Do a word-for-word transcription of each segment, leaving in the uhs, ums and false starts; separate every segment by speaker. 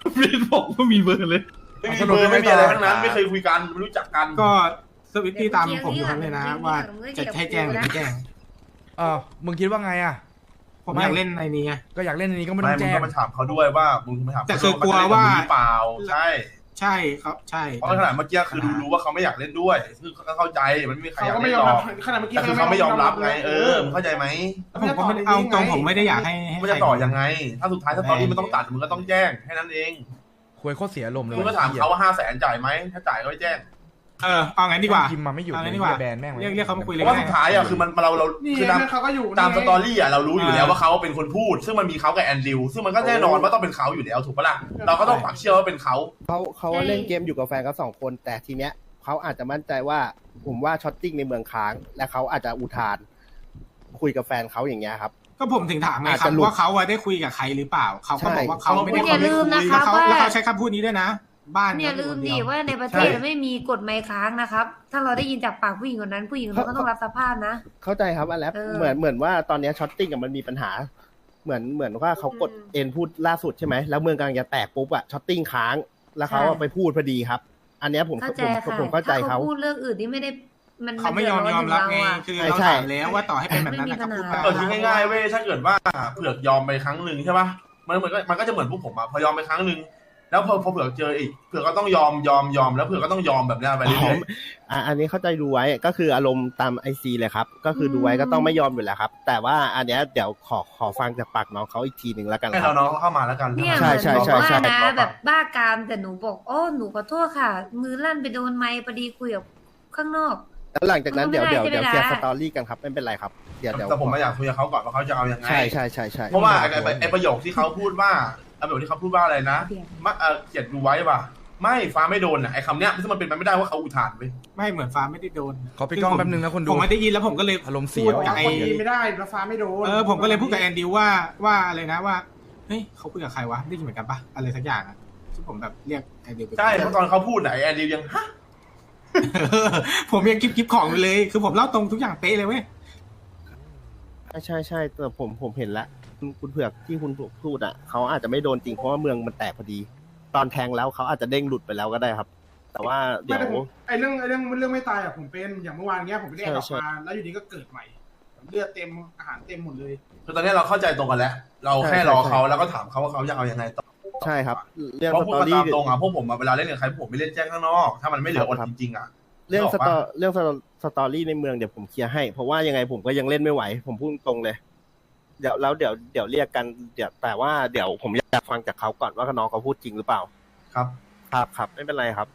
Speaker 1: ไม่ได้บอกว่ามีเบอร์เลย
Speaker 2: ไม่มีเบอร์ไม่มีอะไรทั้งนั้นไม่เคยคุยกันไม่รู้จักกัน
Speaker 1: ก็สวิตตี้ตามผมอยู่ครับเลยนะว่าจะให้แจ้งหรือไม่แจ้ง
Speaker 3: เออมึงคิดว่าไงอ่ะ
Speaker 1: ผมอยากเล่นในนี้ไง
Speaker 3: ก็อยากเล่นในนี้ก็ไม่
Speaker 2: ไม่
Speaker 3: ต้อง
Speaker 2: มึง
Speaker 3: แจ้ง
Speaker 2: ก็มาถามเขาด้วยว่ามึงมาถาม
Speaker 1: แต่คือกลัวว่า
Speaker 2: หรือเปล่าใช่
Speaker 1: ใช่ครับใช่
Speaker 2: เพราะขนาดเมื่อกี้คือดูรู้ว่าเขาไม่อยากเล่นด้วยซึ่งก็เข้าใจมันไม่มีใครอยาก
Speaker 4: เขาก็ไม่
Speaker 2: เล่น
Speaker 4: ยอม
Speaker 2: หร
Speaker 4: รั
Speaker 2: อบ ก
Speaker 4: ขนาดเมื่อกี้
Speaker 2: แต่คือเขาไม่ยอมรับไงเออมึงเข้าใจไหม
Speaker 1: ผมก็ไม่ได้เอาตรงผมไม่ได้อยากให้ให้
Speaker 2: มันจะต่อยังไง ถ้าสุดท้ายถ้าตอนนี้มันต้องตัดมึงก็ต้องแจ้งแค่นั้นเอง
Speaker 3: คุยโคตรเสียลมณ์เลย
Speaker 2: มึงก็ถามเขาว่าห้าแสนจ่ายไหมถ้าจ่ายก็ไม่แจ้ง
Speaker 1: เออเอางั้นดีกว่า
Speaker 3: พิมพ์มาไม่หยุด
Speaker 1: เอา
Speaker 3: เล
Speaker 1: งั้
Speaker 3: ย
Speaker 1: นดีกว่า
Speaker 3: แบนแม่งเลย
Speaker 1: เรียกเรียกเขามาคุย
Speaker 2: เพ
Speaker 1: เลย
Speaker 2: ราะว่าสุดท้ายอ่ะคือมันเราเรา
Speaker 4: นี่
Speaker 2: คือตาม
Speaker 4: เขาก็อยู่
Speaker 2: ตามสตอรี่อ่ะเรารู้อยู่แล้วว่าเขาเป็นคนพูด ซึ่งมันมีเขากับแอนดริวซึ่งมันก็แน่นอนว่าต้องเป็นเขาอยู่แล้วถูกปะล่ะเราก็ต้องปักเชื่อว่าเป็นเขา
Speaker 5: เขาเขาเล่นเกมอยู่กับแฟนเขาสองคน แต่ทีเนี้ยเขาอาจจะมั่นใจว่าผมว่าช็อตติ้งในเมืองค้าง และเขาอาจจะอุทาน คุยกับแฟนเขาอย่างเงี้ยครับ
Speaker 1: ก็ผมถึงถามไง
Speaker 5: อาจ
Speaker 1: ครั
Speaker 5: จะ
Speaker 1: บ
Speaker 5: หลุด
Speaker 1: ว่าเขาได้คุยกับใครหรือเปล่าเขาก็บอกว่าเขาไม่ได้
Speaker 6: อย่าลืมนะคะ
Speaker 1: แล้วเขา
Speaker 6: ว่า
Speaker 1: แล้วเขาใช้คำพูดนี้ด้วยนะ บ้าน
Speaker 6: อย่าลืมดิว่าในประเทศไม่มีกฎหมายค้างนะครับ ถ้าเราได้ยินจากปากผู้หญิงคนนั้นผู้หญิงคนนั้นก็ต้องรับสภาพนะ
Speaker 5: เข้าใจครับอันแล้ว
Speaker 6: เออ
Speaker 5: เหมือนเหมือนว่าตอนเนี้ช็อตติ้งกับมันมีปัญหา เหมือนเหมือนว่าเขากด
Speaker 6: อืม
Speaker 5: เอ็นพูดล่าสุดใช่ไหมแล้วเมืองกำลังจะแตกปุ๊บอะช็อตติ้งค้าง แล้วเขาอะไปพูดพอดีครับ อันเนี้ยผม
Speaker 6: เข้าใจ
Speaker 5: ผม
Speaker 6: ค่ะ
Speaker 5: ผมเข้าใจ
Speaker 6: ถ้า
Speaker 5: เขา
Speaker 6: เขาพูดเรื่องอื่นที่ไม่ได้มัน
Speaker 1: เขาไม่ยอม
Speaker 6: น
Speaker 1: ยอมรับไง
Speaker 6: เดื
Speaker 1: คือ
Speaker 6: ดร้อนถึงเราอะ
Speaker 1: เราถามแล้วว่าต่อให้เป็นแบบนั้นนะ
Speaker 6: ไม่
Speaker 1: เขา
Speaker 6: มี
Speaker 1: พูด
Speaker 6: ปัญหา
Speaker 1: ไป
Speaker 2: เออคิดง่ายๆเว้ยถ้าเกิดว่าเผือกยอมไปครั้งหนึ่งใช่ปะมันเหมือนมันก็จะเหมือนพวกผมอะพอยอมไปครั้งหนึ่งแล้วพอพอเผือกเจออีกเผือกก็ต้องยอมยอมยอมแล้วเผือกก็ต้องยอมแบบนี้ไปเรื่อย
Speaker 5: อ่ะอันนี้เข้าใจดูไว้ก็คืออารมณ์ตามไอซีเลยครับ ก็คือดูไว้ก็ต้องไม่ยอมอยู่แล้วครับ แต่ว่าอันเนี้ยเดี๋ยวขอขอฟังจากปากน้องเขาอีกทีหนึ่งแล้วกัน
Speaker 2: ๆให้
Speaker 5: ครั
Speaker 2: เรา
Speaker 5: บ
Speaker 2: น้องเข้ามาแล้วกัน
Speaker 6: เนี่ย
Speaker 5: ใช่
Speaker 6: เหมือน
Speaker 5: ใช่
Speaker 6: บอก
Speaker 5: ใช่
Speaker 6: ว่า
Speaker 5: ใช่
Speaker 6: นะแบบบ้ากามแต่หนูบอกโอ้หนูขอโทษค่ะ มือลั่นไปโดนไม้พอดีคุยกับข้างนอก
Speaker 5: แล้วหลังจากนั้น
Speaker 6: มัน
Speaker 5: เดี๋ยว
Speaker 6: ไม่
Speaker 5: เดี๋ยว
Speaker 6: ได้
Speaker 5: เดี๋ยว
Speaker 6: ใช่
Speaker 5: เค
Speaker 6: ไหม
Speaker 5: ลียร์ส
Speaker 6: ล่ะ
Speaker 5: ตอรี่กันครับไม่เป็นไรครับเดี๋ยวเดี๋ยว
Speaker 2: แต่ผมมาอยากคุยกับเขาก่อนว่าเขาจะเอายังไง
Speaker 5: ใช่ใช่ใช่ใช่
Speaker 2: เพราะว่าไอ้ไอ้ไอ้ประโยคที่เขาพูดว่าไอ้ประโยคที่เขาพูดว่าอะไรนะมาเออเขียนดูไว้ป่ะไม่ฟ้าไม่โดนอ่ะไอ้คำเนี้ยซึ่งมันเป็นไปไม่ได้ว่าเขาอุทานไป
Speaker 1: ไม่เหมือนฟ้าไม่ได้โดน
Speaker 3: ขอปิดกล้องแป๊บนึงนะคนดู
Speaker 1: ผมไม่ได้ยินแล้วผมก็เลย
Speaker 3: อารมณ์เสี
Speaker 1: พู
Speaker 3: ย
Speaker 1: ด
Speaker 4: บอก
Speaker 1: กับ
Speaker 4: ว่า
Speaker 1: ไอ้
Speaker 4: คนดีไม่ได้แล้วฟ้าไม่โดน
Speaker 1: เออผมก็เลยพูดกับแอนดิวว่าว่าอะไรนะว่าเฮ้ยเขาคุยกับใครวะได้ยินเหมือนกันปะอะไรสักอย่างอะที่ผมแบบเรียกแอนดิวไป
Speaker 2: ใช่เพราะตอนเขาพูดไหนแอนดิวยังฮะ
Speaker 1: ผมยังกิ๊บกิ๊บของอยู่เลย คือผมเล่าตรงทุกอย่างเป๊ะเลยเว้ย
Speaker 5: ใช่ใช่ใช่แต่ผมผมเห็นแล้วคุณคุณเผือกที่คุณพูดอ่ะเขาอาจจะไม่โดนจริงเพราะว่าเมืองมันแตกพอดี ตอนแทงแล้วเขาอาจจะเด้งหลุดไปแล้วก็ได้ครับ แต่ว่าเดี๋
Speaker 4: ไม่
Speaker 5: ยว
Speaker 4: แต่ผมไอเรื่องไอเรื่องเรื่องไม่ตายอะผมเป็นอย่างเมื่อวานเงี้ยผมไปได้ออก
Speaker 5: ใช่
Speaker 4: มาแล้วอยู่ดีก็เกิดใหม่เลือดเต็มอาหารเต็มหมดเลย
Speaker 2: คือตอนนี้เราเข้าใจตรงกันแล้ว เราแค่รอเขาแล้วก็ถามเขาว่าเขาจะเอายังไงต่อ
Speaker 5: ใช่ครับ เรื่อง
Speaker 2: เพราะ
Speaker 5: ส
Speaker 2: พูด
Speaker 5: ตอ
Speaker 2: กัน
Speaker 5: รี่
Speaker 2: ตามตรงอ่ะพวกผมอะเวลาเล่นกับใครพวกผมไม่เล่นแจ้งข้างนอก ถ้ามันไม่เหลืออดจริงๆอ่ะ
Speaker 5: เรื่อง
Speaker 2: นึก
Speaker 5: ส
Speaker 2: ออก
Speaker 5: ตอ
Speaker 2: ปะ
Speaker 5: เรื่องสตอสตอรี่ในเมืองเดี๋ยวผมเคลียร์ให้ เพราะว่ายังไงผมก็ยังเล่นไม่ไหว ผมพูดตรงเลย เดี๋ยวแล้วเดี๋ยวเดี๋ยวเรียกกันเดี๋ยวแต่ว่าเดี๋ยวผมอยากฟังจากเขาก่อนว่าน้องเขาพูดจริงหรือเปล่า
Speaker 2: ครับ
Speaker 5: ครับครับไม่เป็นไรครับ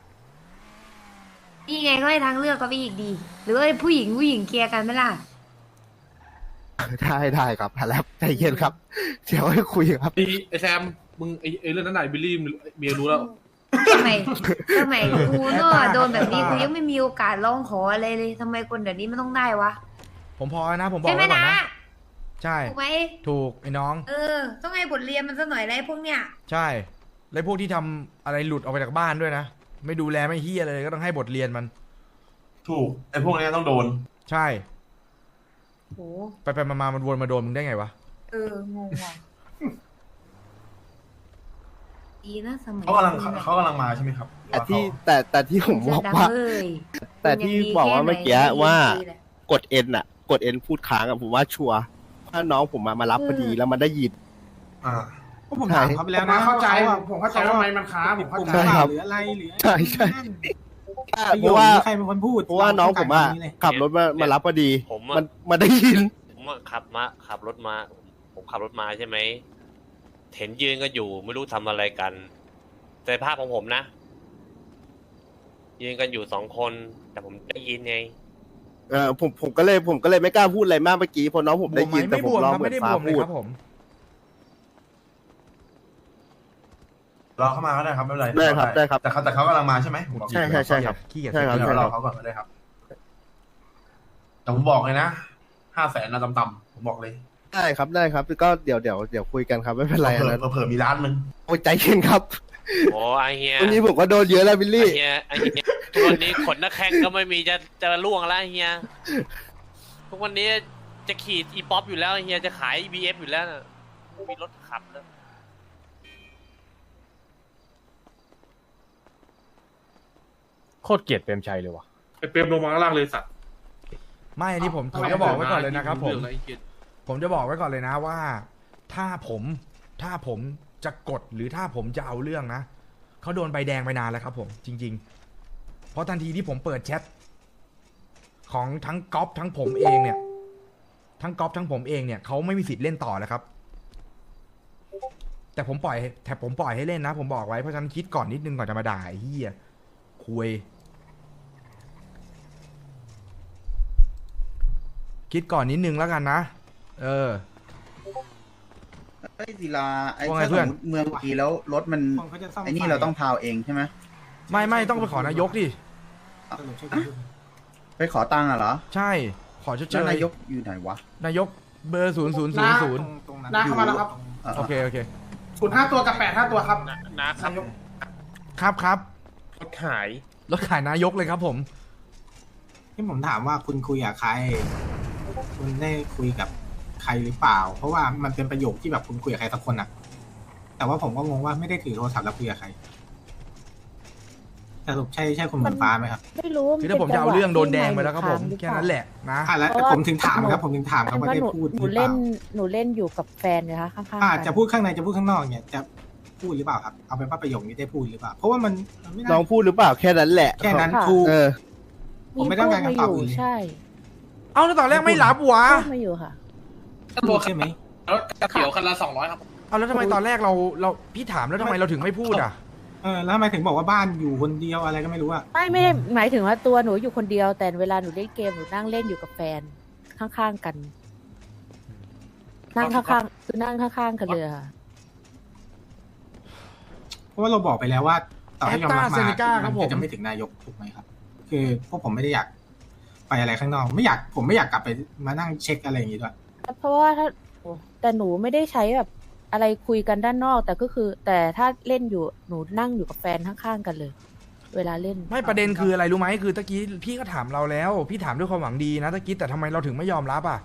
Speaker 6: นี่ไงก็ให้ทางเลือกก็ไปอีกดี หรือว่าผู้หญิงผู้หญิงเคลียร์กันไหมล่ะ
Speaker 5: ได้ได้ครับแล้วใจเย็นครับ เดี๋ยวให้คุยครับ
Speaker 7: ไอ้ไอ้แซม มึงไอ้ไอ้เรื่องนั้นไหนบิลลี่เมียรู้แล้ว
Speaker 6: ทำไมทำไมกูเนาะโดนแบบนี้กูยังไม่มีโอกาสร้องขออะไรเลยทำไมคนแบบนี้มันต้องได้วะ
Speaker 3: ผมพอแล้วนะผมบอก
Speaker 6: ใช่ไหม
Speaker 3: ไว้ก่อน
Speaker 6: นะ
Speaker 3: นะใช่
Speaker 6: ถูกไหม
Speaker 3: ถูกไอ้น้อง
Speaker 6: เออ ต้องให้บทเรียนมันสักหน่อยนะไอ้พวกเนี้ย
Speaker 3: ใช่แล้วพวกที่ทำอะไรหลุดออกไปจากบ้านด้วยนะไม่ดูแลไม่เฮียเลยก็ต้องให้บทเรียนมัน
Speaker 2: ถูกไอ้พวกนี้ต้องโดน
Speaker 3: ใช่
Speaker 6: โห
Speaker 3: ไปไปมามามันวนมาโดนมึงได้ไงวะ
Speaker 6: เอองงว่ะดีนะสมัย
Speaker 2: เขากำลังเขากำลังมาใช่ไหมครับ
Speaker 5: แต่ที่แต่แต่ที่ผมบอกว่า
Speaker 6: เอ้ย
Speaker 5: แต่ที่บอกว่าเมื่อกี้ว่ากดเอ็นอะกดเอ็นพูดค้างอะผมว่าชัวร์ถ้าน้องผมมามารับพอดีแล้วมันได้ยิน
Speaker 2: อ่า
Speaker 1: พวกผมถามเขาไป
Speaker 4: ผ
Speaker 1: แล้ว
Speaker 4: ม
Speaker 1: นะ
Speaker 4: เข้าใจ
Speaker 1: ว่
Speaker 4: ผมเข้าใจว่าทำไมมันค้าผมเข้าใจ
Speaker 5: ใช่ครับ
Speaker 1: หรืออะไรหรือ
Speaker 5: ใช่ใช่
Speaker 1: ประ
Speaker 5: เพ
Speaker 1: โยค
Speaker 5: ราะว่า
Speaker 1: นี้ใครเป็นคนพูด
Speaker 5: เพราะว่าน้องผมอะ
Speaker 1: ต้การแบบนี้เลย
Speaker 5: ขับรถมามารับพอดี
Speaker 8: ผมอะ
Speaker 5: มันมันได้ยิน
Speaker 8: ผมอะขับมาขับรถมา ผมขับรถมาใช่ไหมเห็นยืนกันอยู่ไม่รู้ทำอะไรกัน แต่ภาพของผมนะ ยืนกันอยู่สองคน แต่ผมได้ยินไง
Speaker 5: เออผมผมก็เลยผมก็เลยไม่กล้าพูดอะไรมากเมื่อกี้เพราะน้องผมได้ยินแต่
Speaker 3: ไม่
Speaker 5: ผ
Speaker 3: บ
Speaker 5: ม
Speaker 3: วม
Speaker 5: ร้อง
Speaker 3: ครับ
Speaker 5: เหมือ
Speaker 3: ไม่ได้
Speaker 5: น
Speaker 3: บ
Speaker 5: ฟ้าว
Speaker 3: มเลย
Speaker 5: พูด
Speaker 3: ครับผม
Speaker 2: รอเข้ามาก็ได้ครับไม่เป็นไร
Speaker 5: ได้ครับได้ครับ
Speaker 2: แต่เขาแต่เขากำลังมาใช่ไหมผมบอก
Speaker 5: ใช่ใช่ใช่ครับ
Speaker 3: ขี้เกียจ
Speaker 5: ใช่ครับ
Speaker 2: เดี๋ยวรอเขาก่อนก็ได้ครับ แต่ผมบอกเลยนะห้าแสนนะต่ำๆผมบอกเลย
Speaker 5: ได้ครับได้ครับก็เดี๋ยวเดี๋ยวเดี๋ยวคุยกันครับไม่เป็นไร
Speaker 2: เผื่
Speaker 5: นะ
Speaker 2: อเผื่อมีร้านหนึ่ง
Speaker 5: โอ้ยใจเย็นครับ
Speaker 8: โอ้ไอเฮีย
Speaker 5: วันนี้ผมก็โดนเยอะแล้วบิล
Speaker 8: ไอ
Speaker 5: ลี่
Speaker 8: เฮียไอเฮียทุกวันนี้ขนหน้าแข้งก็ไม่มีจะจะล่วงแล้วไอ้เฮียทุกวันนี้จะขี่อีป๊อปอยู่แล้วไอ้เฮียจะขายบีเอฟอยู่แล้วน่ะมีรถขับแล้ว
Speaker 9: โคตรเกลียดเปรมชัยเลยว่ะ
Speaker 7: ไอ้เปรมลงมาข้างล่างเลยสัตว์
Speaker 3: ไม่อันนี้ผมผมจะบอกไว้ก่อนเลยนะครับผม ผมจะบอกไว้ก่อนเลยนะว่า ถ้าผมถ้าผมจะกดหรือถ้าผมจะเอาเรื่องนะเขาโดนใบแดงไปนานแล้วครับผมจริง ๆ เพราะทันทีที่ผมเปิดแชทของทั้งก๊อฟทั้งผมเองเนี่ย ทั้งก๊อฟทั้งผมเองเนี่ยเขาไม่มีสิทธิ์เล่นต่อแล้วครับ แต่ผมปล่อยแต่ผมปล่อยให้เล่นนะ ผมบอกไว้เพราะฉะนั้นคิดก่อนนิดนึงก่อนจะมาด่าไอ้เหี้ยคุยคิดก่อนนิดนึงแล้วกันนะเออ
Speaker 10: ไอ้ศิลาไอ้
Speaker 3: ว่าไง
Speaker 10: ถ้า
Speaker 3: เพื่
Speaker 10: ส
Speaker 3: อน
Speaker 10: มมติเมืองกีแล้วรถมัน
Speaker 1: คนเขาจะซ่อม
Speaker 10: ไอ้นี่
Speaker 1: ไฟ
Speaker 10: เราต้องพาวเองใช่ไหม
Speaker 3: ไม่ไม่ต้องไปขอนายกดิ
Speaker 1: สรุปใช่คุณ
Speaker 10: ไปขอตังค์อ่ะเหรอ
Speaker 3: ใช่ขอชดเช
Speaker 10: แล้ว
Speaker 3: ย
Speaker 10: นายกอยู่ไหนวะ
Speaker 3: นายกเบอร์ศูนย์ศูนย์ศูนย์ศูนย์
Speaker 1: ตรงนั้น
Speaker 4: น้าเข้ามาแล้วครับ
Speaker 10: อ่ะ
Speaker 3: โอเคโอเค
Speaker 4: ศูนย์ห้าตัวกับแปดห้าตัวครับ
Speaker 7: นะครับ
Speaker 4: นายก
Speaker 3: ครับครับ
Speaker 7: รถขาย
Speaker 3: รถขายนายกเลยครับผม
Speaker 1: ที่ผมถามว่าคุณคุยกับใคร คุณได้คุยกับใครหรือเปล่า เพราะว่ามันเป็นประโยคที่แบบคุณคุยกับใครสักคนอะแต่ว่าผมก็งงว่าไม่ได้ถือโทรศัพท์แล้วคุยกับใครสรุปใช่ใช่คุณเหมือนฟ้าไหมครับ
Speaker 11: ไม่รู้
Speaker 3: คือถ้าผมจะเอาเรื่องโดนแดงไปแล้วครับผมแค่นั้นแหละนะ
Speaker 1: อ่ะแล้วผมถึงถามครับ ผมถึงถามครับว่า
Speaker 11: ว่า
Speaker 1: ได้
Speaker 11: หนู
Speaker 1: พูดห
Speaker 11: หนู
Speaker 1: รือเป
Speaker 11: เล่น
Speaker 1: ล่า
Speaker 11: หนูเล่นอยู่กับแฟนนะคะข้างๆ
Speaker 1: อ่า
Speaker 11: กัน
Speaker 1: จะพูดข้างในจะพูดข้างนอกเนี่ยจะพูดหรือเปล่าครับเอาเป็นว่าประโยคนี้ได้พูดหรือเปล่า เพราะว่ามันมันไม่
Speaker 5: น้
Speaker 1: ได้
Speaker 5: องพูดหรือเปล่าแค่นั้นแหละ
Speaker 1: แค่นั้นถูก
Speaker 5: เออ
Speaker 1: ผมไม่ต้องการคำตอบอื่นเลย
Speaker 11: ใช่
Speaker 3: เอาแล้วตอนแรกไม่รับวะ
Speaker 11: พูดมาอยู่ค่ะ
Speaker 1: พูดใช่ไหม
Speaker 7: รถกระเขียวคันละสองร้อยครับ
Speaker 3: เอาแล้วทำไมตอนแรกเราเราพี่ถามแล้วทำไมเราถึงไม่พูดอ่ะ
Speaker 1: เออแล้วทำไมถึงบอกว่าบ้านอยู่คนเดียวอะไรก็ไม่รู้อะ
Speaker 11: ไม่ไม่ได้หมายถึงว่าตัวหนูอยู่คนเดียว แต่เวลาหนูเล่นเกมหนูนั่งเล่นอยู่กับแฟนข้างๆกัน นั่งข้างๆคือนั่งข้างๆกันเลยค่ะ
Speaker 1: เพราะว่าเราบอกไปแล้วว่าต่อให้ยอมรับ
Speaker 3: แอตตาเซ
Speaker 1: มา
Speaker 3: เนก้าครับ
Speaker 1: มั
Speaker 3: ผม
Speaker 1: นจะไม่ถึงนายกถูกไหมครับ คือพวกผมไม่ได้อยากไปอะไรข้างนอกไม่อยากผมไม่อยากกลับไปมานั่งเช็คอะไรอย่างนี้ด้วย
Speaker 11: เพราะว่าถ้าแต่หนูไม่ได้ใช้แบบอะไรคุยกันด้านนอก แต่ก็คือ แต่ถ้าเล่นอยู่หนูนั่งอยู่กับแฟนข้างๆกันเลย เวลาเล่น
Speaker 3: ไม่ประเด็นคืออะไรรู้ไหมคือตะกี้พี่ก็ถามเราแล้ว พี่ถามด้วยความหวังดีนะตะกี้แต่ทำไมเราถึงไม่ยอมรับอ่ะ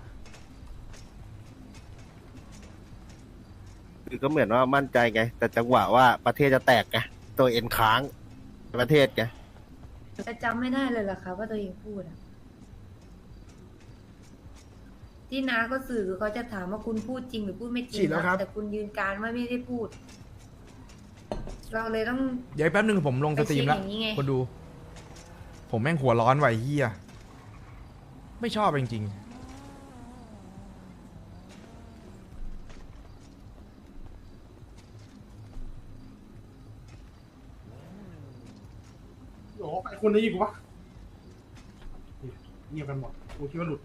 Speaker 5: คือก็เหมือนว่ามั่นใจไง แต่จังหวะว่าประเทศจะแตกไงตัวเอ็นค้างประเทศไง
Speaker 6: แต่จำไม่ได้เลยเหรอคะว่าตัวเองพูดอะที่น้าก็สื่อเขาจะถามว่าคุณพูดจริงหรือพูดไม่จริ
Speaker 3: ฉี
Speaker 6: ง
Speaker 3: ดแล้วครับ
Speaker 6: แต่คุณยืนการว่าไม่ได้พูด เราเลยต้อง
Speaker 3: เดี๋ยวแป๊บนึงผมลงสตรีมแล้ว
Speaker 6: ไปเช็คอย่างนี้ไง
Speaker 3: คนดู ผมแม่งหัวร้อนไหวะไอ้เฮียไม่ชอบจริง
Speaker 4: โอ้โหไอ้คนได้ยินกูปะเงียบกันหมดกูคิดว่าหลุด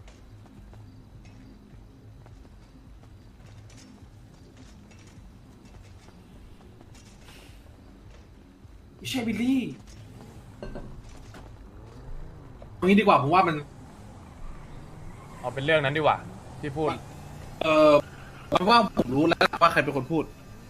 Speaker 4: ไม่ใช่บิลลี่
Speaker 7: ตรงนี้ดีกว่าผมว่ามัน
Speaker 9: เอาเป็นเรื่องนั้นดีกว่า ที่พูด
Speaker 7: เออผมว่าผมรู้แล้วว่าใครเป็นคนพูด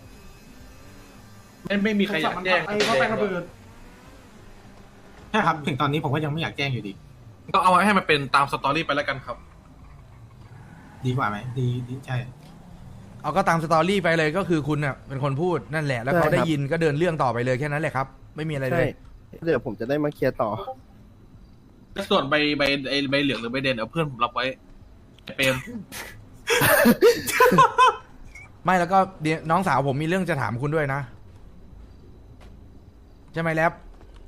Speaker 7: ไม่ไม่มีใครอยากแจ้ง
Speaker 4: ไอ้เขาไประเบิด
Speaker 1: ใช่ครับถึงตอนนี้ผมก็ยังไม่อยากแจ้งอยู่ดี
Speaker 7: ก็เอาไว้ให้มันเป็นตามสตอรี่ไปแล้วกันครับ
Speaker 1: ดีกว่าไหมดีดีใช่
Speaker 3: ๆ เอาก็ตามสตอรี่ไปเลยก็คือคุณน่ะเป็นคนพูดนั่นแหละ แล้วเขาได้ยินก็เดินเรื่องต่อไปเลยแค่นั้นแหละครับ ไม่มีอะไรเล
Speaker 5: ใช่
Speaker 3: ย
Speaker 5: เดี๋ยวผมจะได้มาเคลียร์ต่อ
Speaker 7: ส่วนใบใบไอ้ใบเหลืองหรือใบแดงเอาเพื่อนผมรับไว้เปรม
Speaker 3: ไม่แล้วก็เดี๋ยวน้องสาวผมมีเรื่องจะถามคุณด้วยนะใช่ไหมแล็บ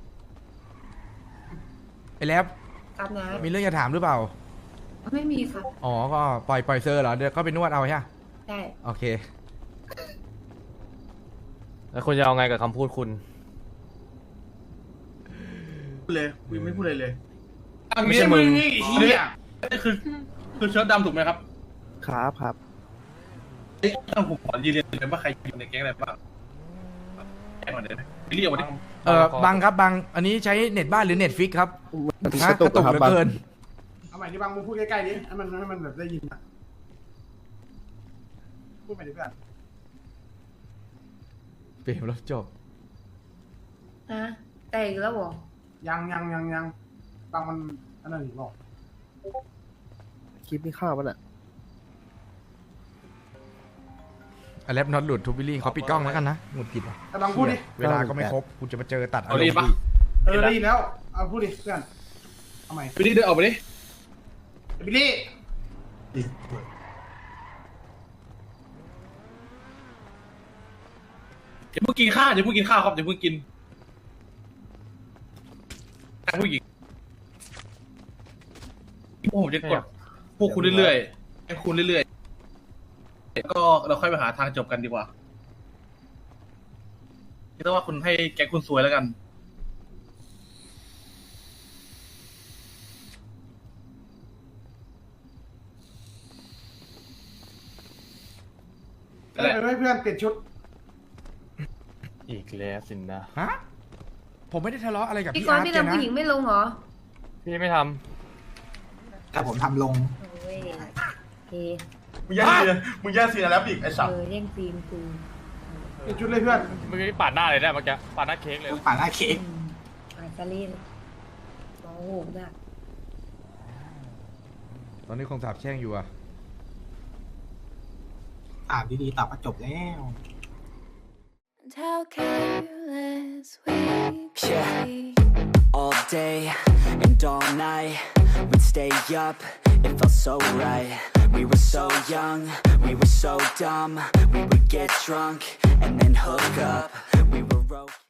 Speaker 3: ไอ้แล็บ
Speaker 6: ครับนะ
Speaker 3: มีเรื่องจะถามหรือเปล่า
Speaker 6: ไม่มีค่ะ
Speaker 3: อ๋อก็ปล่อยปล่อยเซอร์เหรอเดี๋ยวก็ไปนวดเอาใช่ไหม
Speaker 6: ได้
Speaker 3: โอเค
Speaker 9: แล้วคุณจะเอาไงกับคำพูดคุณ
Speaker 2: พูดเลยกูยังไม่พูดเลยเลย
Speaker 7: อัน
Speaker 9: ไม่
Speaker 7: นี้
Speaker 9: ใช่มึ
Speaker 7: มึ
Speaker 9: ง
Speaker 7: งนี่เฮียนี่คือคือเชิ้ตดำถูกไหมครับ
Speaker 5: ครับครับ
Speaker 7: เอ้ยต้องผมขอยืนยันเลยว่าใครอยู่ในแก๊งอะไรบ้างแก๊งก่อนเดี๋ยวนะเรียกมาดิ
Speaker 3: เออบังครับบังอันนี้ใช้เน็ตบ้านหรือเน็ตฟิกครับ
Speaker 5: มัน
Speaker 3: ฮะ
Speaker 5: กระตุก
Speaker 3: กระตุก
Speaker 5: ครับ
Speaker 3: เหลือบ
Speaker 5: าง
Speaker 3: เกิน
Speaker 4: เอาใหม่ที่บางมึงพูดใกล้ๆดิให้มันให้มันแบบได้ยินอะพูดใหม่ดิเพื่อน
Speaker 3: เปลี่ยนแล้วจบ
Speaker 6: นะแต่อีกแล้วเหรอ
Speaker 4: ยังยังยังยังบางมันอันนั้นอีกหรอก
Speaker 5: คลิปนี้ข้าวมันอ่ะ
Speaker 3: อแลปน็อตหลุดทูบิลลี่เขาปิดกล้องแล้วกันนะหงุดหงิดว่ะ
Speaker 4: แต่บางพูดดิ
Speaker 3: เวลาก็ไม่ครบคุณจะมาเจอตัดอา
Speaker 7: เอา
Speaker 3: รม
Speaker 7: รีบ
Speaker 3: ณ์
Speaker 7: ปะ
Speaker 3: อีก
Speaker 4: เออได้ยินแล้วเอาพูดดิเพื่อนทำไม
Speaker 7: บิลลี่เดินออกไปดิ
Speaker 4: บิลลี่
Speaker 7: อย่าเพิ่งกินข้าวอย่าเพิ่งกินข้าวครับอย่าเพิ่งกินผู้หญิงพวกผมจะกดพวกคุณเรื่อยๆให้คุณเรื่อยๆก็เราค่อยไปหาทางจบกันดีกว่าคิดว่าคุณให้แกคุณสวยแล้วกัน
Speaker 4: เออให้เพื่อนเปลี่ยนชุด
Speaker 9: อีกแล้วสินนะ
Speaker 3: ฮะผมไม่ได้ทะเลาะอะไรกับ
Speaker 6: พี่
Speaker 3: พี่
Speaker 6: กร
Speaker 3: อาร์ต
Speaker 6: ณ์พี่
Speaker 3: แก
Speaker 6: นำ
Speaker 3: นะ
Speaker 6: ผู้หญิงไม่ลงเหรอ
Speaker 9: พี่ไม่ท
Speaker 1: แต่ผมทำลง
Speaker 6: โอ้ยเฮ
Speaker 2: มึงแย่งซีนมึงแย่งซีนแล้วอีกไอ้สัต
Speaker 6: เอ
Speaker 2: ว์
Speaker 6: อแย่งซีนกู
Speaker 4: เปลี่ยนชุดเลยเพื่อน
Speaker 9: ำเมื่อกี้ปาดหน้าเลยได้เมื่อกี้ปาดหน้าเค้กเลย
Speaker 1: ป่าหน้าเค้ก
Speaker 6: อืมอ่านซาลีนโอ้โหมาก
Speaker 3: ตอนนี้คงสาบแช่งอยู่อะ
Speaker 1: อ่านดีๆตอบมาจบแล้ว
Speaker 12: How careless we
Speaker 13: Yeah.
Speaker 12: be.
Speaker 13: All day and all night, we'd stay up, it felt so right. We were so young, we were so dumb. We would get drunk and then hook up. We were okay.